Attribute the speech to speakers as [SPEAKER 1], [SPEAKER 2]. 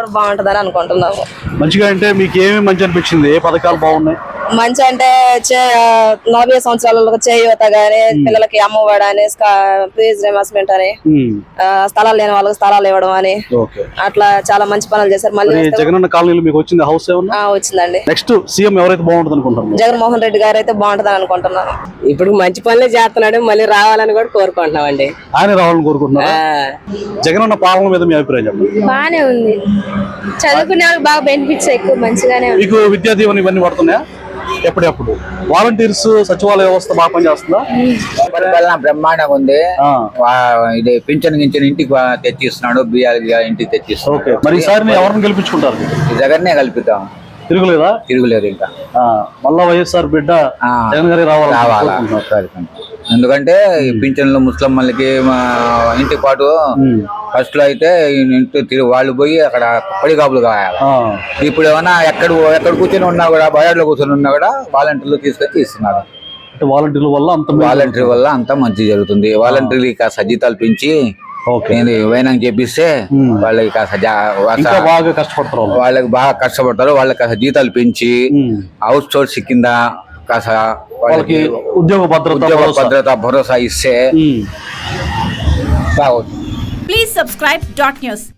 [SPEAKER 1] కూడా బాగుంటదని అనుకుంటున్నాము.
[SPEAKER 2] మంచిగా అంటే మీకు ఏమి మంచి అనిపించింది? ఏ పథకాలు బాగున్నాయి?
[SPEAKER 1] మంచి అంటే 40 సంవత్సరాలకు చేయూత గానీ, పిల్లలకి అమ్మఒడి అని, ఫీజు రియంబర్స్మెంట్ అని, స్థలాలు లేని వాళ్ళకి స్థలాలు ఇవ్వడం అని, అట్లా చాలా మంచి పనులు చేశారు. మళ్ళీ
[SPEAKER 2] జగనన్న కాలనీలో మీకు వచ్చింది హౌస్ ఏమన్నా?
[SPEAKER 1] వచ్చిందండి.
[SPEAKER 2] నెక్స్ట్ సీఎం ఎవరైతే బాగుంటుంది అనుకుంటున్నారు?
[SPEAKER 1] జగన్మోహన్ రెడ్డి గారు అయితే బాగుంటదని అనుకుంటున్నాను.
[SPEAKER 3] ఇప్పుడు మంచి పనులే చేస్తున్నాడు, మళ్ళీ రావాలని కూడా కోరుకుంటున్నామండి.
[SPEAKER 2] ఆయన రావాలని కోరుకుంటున్నారు. జగనన్న పాలన మీద మీ అభిప్రాయం చెప్పండి.
[SPEAKER 1] బానే ఉంది, చదువుకునే వాళ్ళకి బాగా బెనిఫిట్స్ ఎక్కువ మంచిగానే ఉంది.
[SPEAKER 2] మీకు విద్యా దీవెన ఇవన్నీ పడుతున్నాయా? ఎప్పుడెప్పుడు వాలంటీర్స్ సచివాలయ వ్యవస్థ బాగా పనిచేస్తుందా?
[SPEAKER 4] పరిపాలన బ్రహ్మాండంగా ఉంది. ఇది పింఛన్ గించిన ఇంటికి తెచ్చిస్తున్నాడు, బియ్యాలు ఇంటికి తెచ్చిస్తున్నాడు.
[SPEAKER 2] మరి ఈసారి ఎవరిని గెలిపించుకుంటారు?
[SPEAKER 4] జగన్నే కల్పిద్దాం,
[SPEAKER 2] తిరుగులేదా?
[SPEAKER 4] తిరుగులేదు. ఇంకా
[SPEAKER 2] మళ్ళా వైఎస్ఆర్ బిడ్డ జగన్ గారి
[SPEAKER 4] రావాలా? ఎందుకంటే ఈ పింఛన్లు ముస్లింలకి ఇంటి పాటు ఫస్ట్ లో అయితే వాళ్ళు పోయి అక్కడ పడిగాపులు కావాలి. ఇప్పుడు ఏమన్నా ఎక్కడ కూర్చొని ఉన్నా కూడా, బయాడ్లో కూర్చొని ఉన్నా కూడా వాలంటీర్లు తీసుకొచ్చి ఇస్తున్నారు.
[SPEAKER 2] వాలంటీర్ల
[SPEAKER 4] వల్ల అంతా మంచి జరుగుతుంది. వాలంటీర్లు కాస్త జీతాలు పెంచి వైనాంగ్ చేపిస్తే వాళ్ళకి కాస్త
[SPEAKER 2] బాగా కష్టపడతారు.
[SPEAKER 4] వాళ్ళకి కాస్త జీతాలు పెంచి అవుట్ సోర్స్ కింద కాస్త వాళ్ళకి
[SPEAKER 2] ఉద్యోగ
[SPEAKER 4] భద్రత భరోసా ఇస్తే బాగుంది.
[SPEAKER 5] Please subscribe .news.